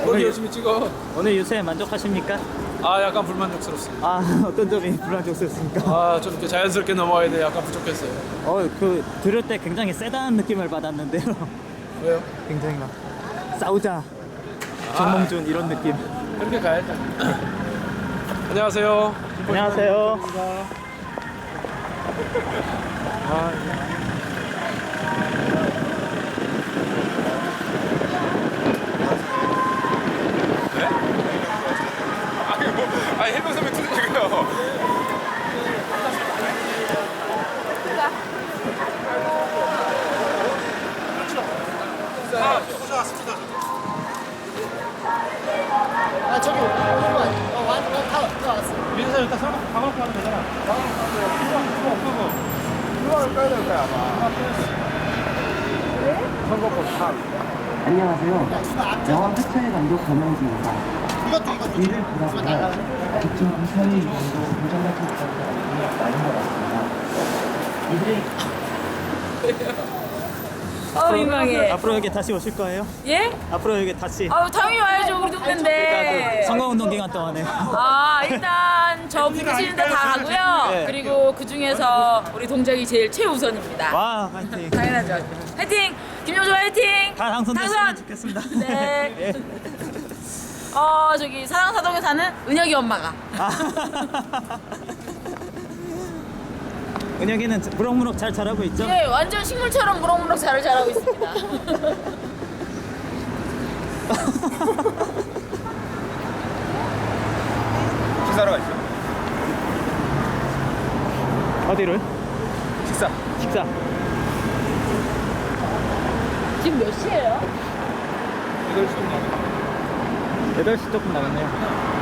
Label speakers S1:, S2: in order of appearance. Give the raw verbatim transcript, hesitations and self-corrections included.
S1: 머리 열심히 찍어.
S2: 오늘 유세 만족하십니까?
S1: 아 약간 불만족스럽습니다.
S2: 아 어떤 점이 불만족스럽습니까?
S1: 아좀 이렇게 자연스럽게 넘어가야 돼. 약간 부족했어요.
S2: 어그 들을 때 굉장히 세다는 느낌을 받았는데요.
S1: 왜요?
S2: 굉장히 막 싸우자 정몽준 이런 느낌.
S1: 그렇게 가야죠. 안녕하세요.
S2: 안녕하세요.
S1: 아,
S3: 아니 해병 선배 투대지고요.
S4: 아 저기 오는 거 아니야? 어 완, 어, 다, 다 왔어.
S1: 민서 일단 설마 방울 가면 되잖아. 그거 그거
S3: 그거를 빼야 될 거야 아마. 선거법 탑.
S5: 안녕하세요. 영화 회차의 감독 권영주입니다.
S4: 이것도 이것도
S5: 이를 보다보면 그쪽 이사회 이름도 도전 같은 것이 많은 것 같습니다. 이들의
S6: 어 민망해.
S2: 앞으로 여기 다시 오실 거예요?
S6: 예?
S2: 앞으로 여기 다시.
S6: 아 당연히 와야죠 우리
S2: 그러니까
S6: 동네인데.
S2: 그 선거운동 기간 동안에.
S6: 아 일단 저 부르시는 데 다 가고요.
S2: 네.
S6: 그리고 그 중에서 우리 동작이 제일 최우선입니다.
S2: 와 화이팅.
S6: 당연하죠. 화이팅! 김용조 화이팅!
S2: 다 당선됐으면
S6: 당선!
S2: 좋겠습니다.
S6: 네.
S2: 예.
S6: 어 저기 사랑사동에 사는 은혁이 엄마가.
S2: 아. 은혁이는 무럭무럭 잘 자라고 있죠?
S6: 예, 완전 식물처럼 무럭무럭 잘 자라고 있습니다.
S3: 식사하러 가시죠.
S2: 어디를?
S3: 식사.
S2: 식사.
S6: 지금 몇 시예요?
S3: 이걸 좀
S2: 여덟 시 조금 남았네요.